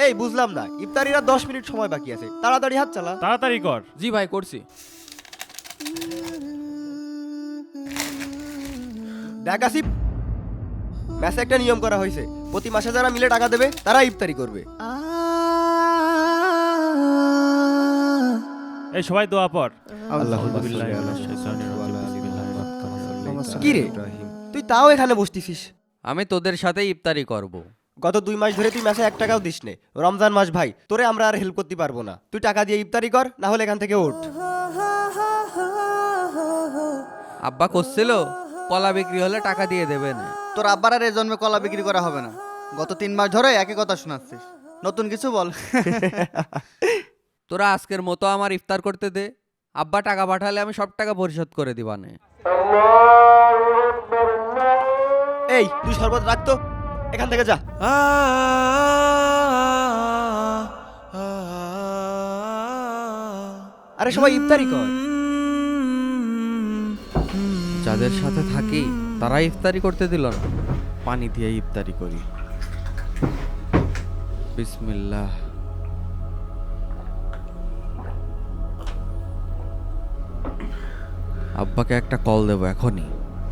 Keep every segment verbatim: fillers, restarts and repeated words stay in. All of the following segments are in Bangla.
এই বুঝলাম না, ইফতারির আর দশ মিনিট সময় বাকি আছে, তাড়াতাড়ি হাত চালা। তাড়াতাড়ি কর। জি ভাই করছি। দেখ আসিফ, ম্যাচে একটা নিয়ম করা হয়েছে, প্রতি মাসে যারা মিলে টাকা দেবে তারা ইফতারি করবে। এই সবাই দোয়া পর। কি রে, তুই তাও এখানে বসতিছিস? আমি তোদের সাথে ইফতারি করব। গত দুই মাস ধরে তুই ম্যাচে এক টাকাও দিস নে, রমজান মাস ভাই, তোরে আমরা আর হেল্প করতে পারবো না। তুই টাকা দিয়ে ইফতারি কর, না হলে এখান থেকে ওঠ। আব্বা করছিল কলা বিক্রি হলে টাকা দিয়ে দেবেন। তোর আব্বার আর এই জন্মে কলা বিক্রি করা হবে না। গত তিন মাস ধরে একই কথা শোনাচ্ছিস, নতুন কিছু বল। তোরা আজকের মতো আমার ইফতার করতে দে, আব্বা টাকা পাঠালে আমি সব টাকা পরিশোধ করে দিবানে। এই তুই শরবত রাখতো, এখান থেকে যা। আরে সবাই ইফতারি কর। যাদের সাথে থাকি তারা ইফতারি করতে দিল না। পানি দিয়ে ইফতারি করি। বিসমিল্লাহ। আব্বাকে একটা কল দেবো এখনই।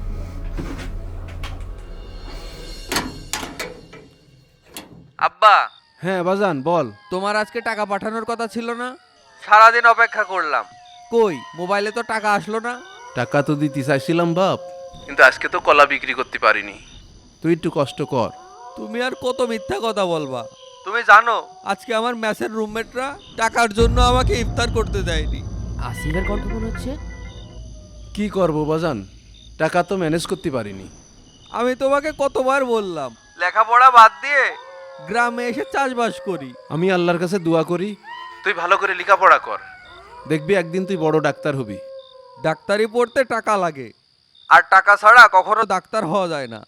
আব্বা। হ্যাঁ বাজান বল। তোমার আজকে টাকা পাঠানোর কথা ছিল না? সারাদিন অপেক্ষা করলাম, কই মোবাইলে তো টাকা আসলো না। টাকা তো দিতে চাইছিলাম বাপ, কিন্তু আজকে তো কলা বিক্রি করতে পারিনি। তুই একটু কষ্ট কর। তুমি আর কত মিথ্যা কথা বলবা? তুমি জানো আজকে আমার ম্যাচের রুমমেটরা টাকার জন্য আমাকে ইফতার করতে দেয়নি। আসিফের কণ্ঠ মনে হচ্ছে। কি করব বাজান, টাকা তো ম্যানেজ করতে পারিনি। আমি তোমাকে কতবার বললাম লেখাপড়া বাদ দিয়ে গ্রামে এসে চাষবাস করি। আমি আল্লাহর কাছে দোয়া করি তুই ভালো করে লেখাপড়া কর, দেখবি একদিন তুই বড় ডাক্তার হবি। ডাক্তারি পড়তে টাকা লাগে, আর টাকা ছাড়া কখনো ডাক্তার হওয়া যায় না।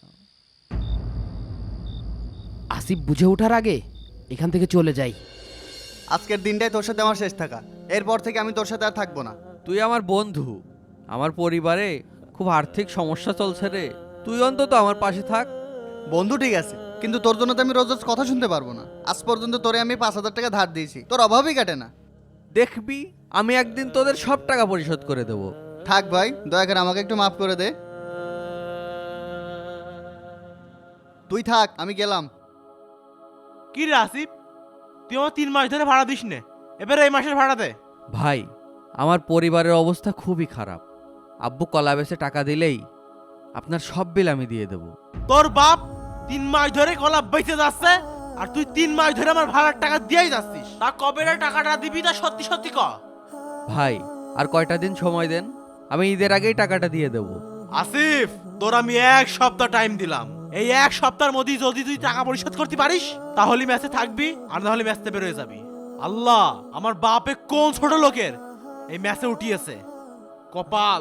আসিফ বুঝে ওঠার আগে এখান থেকে চলে যাই। আজকের দিনটাই তোর সাথে আমার শেষ থাকা, এরপর থেকে আমি তোর সাথে আর থাকবো না। তুই আমার বন্ধু, আমার পরিবারে খুব আর্থিক সমস্যা চলছে রে, তুই অন্তত আমার পাশে থাক। বন্ধু ঠিক আছে, কিন্তু তোর জন্য তো আমি রোজ রোজ কথা শুনতে পারবো না। আজ পর্যন্ত তোরে আমি পাঁচ হাজার টাকা ধার দিয়েছি, তোর অভাবই কাটে না। দেখবি আমি একদিন তোদের সব টাকা পরিশোধ করে দেব। থাক ভাই, দয়া করে আমাকে একটু মাফ করে দে। তুই থাক, আমি গেলাম। কি রে আসিফ, তুই আমার তিন মাস ধরে ভাড়া দিস নে, এবারে এই মাসের ভাড়া দে। ভাই আমার পরিবারের অবস্থা খুবই খারাপ, আব্বু কলা বেচে টাকা দিলেই আপনার সব বিল আমি দিয়ে দেব। তোর বাপ তিন মাস ধরে কলা বেঁচে যাচ্ছে, আর তুই তিন মাস ধরে আমার ভাড়ার টাকা দিয়েই যাচ্ছিস। তা কবে রে টাকাটা দিবি, তা সত্যি সত্যি ক। ভাই আর কয়টা দিন সময় দেন, আমি ঈদের আগেই টাকাটা দিয়ে দেব। আসিফ তোর আমি এক সপ্তাহ টাইম দিলাম, এই এক সপ্তাহের মধ্যে যদি তুই টাকা পরিশোধ করতে পারিস তাহলে ম্যাচে থাকবি, আর না হলে ম্যাচে বেরোয় যাবি। আল্লাহ আমার বাপে কোন ছোট লোকের এই ম্যাচে উঠিয়েছে, কপাল।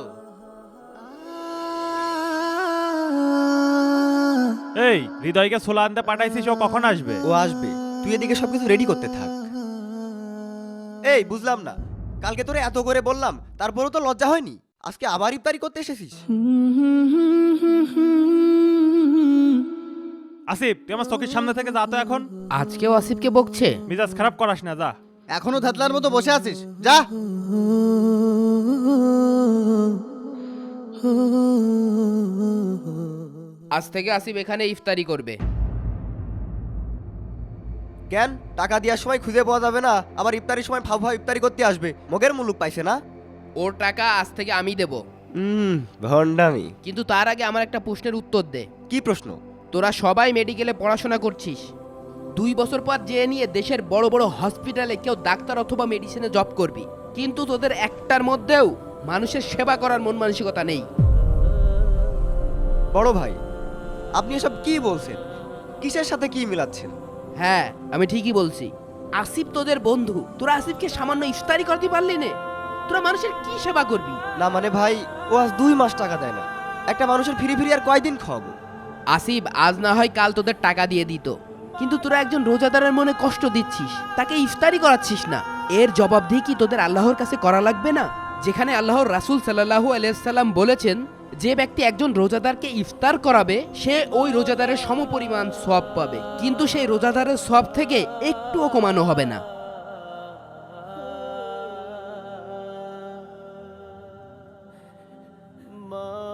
এই হৃদয়কে ছোলা আনতে পাঠাইছিস, ও কখন আসবে? ও আসবে, তুই এদিকে সবকিছু রেডি করতে থাক। এই বুঝলাম না, কালকে তোরে এত করে বললাম তারপরেও তো লজ্জা হয়নি, আজকে আবার ইফতারি করতে এসেছিস? আসিফ তুই আমার চোখের সামনে থেকে যা তো এখন। আজকেও আসিফকে বকছে। মিজাজ খারাপ করাস না, যা। এখনো থাতলার মতো বসে আছিস, যা। আজ থেকে আসিফ এখানে ইফতারি করবে। কেন টাকা দেওয়ার সময় খুঁজে পাওয়া যাবে না, আবার ইফতারির সময় ফাউ ফাউ ইফতারি করতে আসবে? মগের মুলুক পাইছে না? ওর টাকা আজ থেকে আমি দেব, হুম ভন্ডামি। কিন্তু তার আগে আমার একটা প্রশ্নের উত্তর দে। কি প্রশ্ন? তোরা সবাই মেডিকেলে পড়াশোনা করছিস, দুই বছর পর যে নিয়ে দেশের বড় বড় হসপিটালে কেউ ডাক্তার অথবা মেডিসিনে জব করবি, কিন্তু তোদের একটার মধ্যেও মানুষের সেবা করার মন মানসিকতা নেই। বড় ভাই আপনি এসব কি বলছেন? কিসের সাথে কি মিলাচ্ছেন? হ্যাঁ আমি ঠিকই বলছি, আসিফ তোদের বন্ধু, তোরা আসিফকে সামান্য ইফতারি করতে পারলি না? তোরা মানুষের কি সেবা করবি? না মানে ভাই, ও আজ দুই মাস টাকা দেয় না, একটা মানুষের ফিরি ফিরি আর কয়দিন খাওয়াবো? আসিফ আজ না হয় কাল তোদের টাকা দিয়ে দিত, কিন্তু তোরা একজন রোজাদারের মনে কষ্ট দিচ্ছিস, তাকে ইফতারি করাচ্ছিস না। এর জবাবদিহি কি তোদের আল্লাহর কাছে করা লাগবে না? যেখানে আল্লাহর রাসূল সাল্লাল্লাহু আলাইহি সাল্লাম বলেছেন, যে ব্যক্তি একজন রোজাদারকে ইফতার করাবে সে ওই রোজাদারের সমপরিমাণ সওয়াব পাবে, কিন্তু সেই রোজাদারের সওয়াব থেকে একটুও কমানো হবে না। মা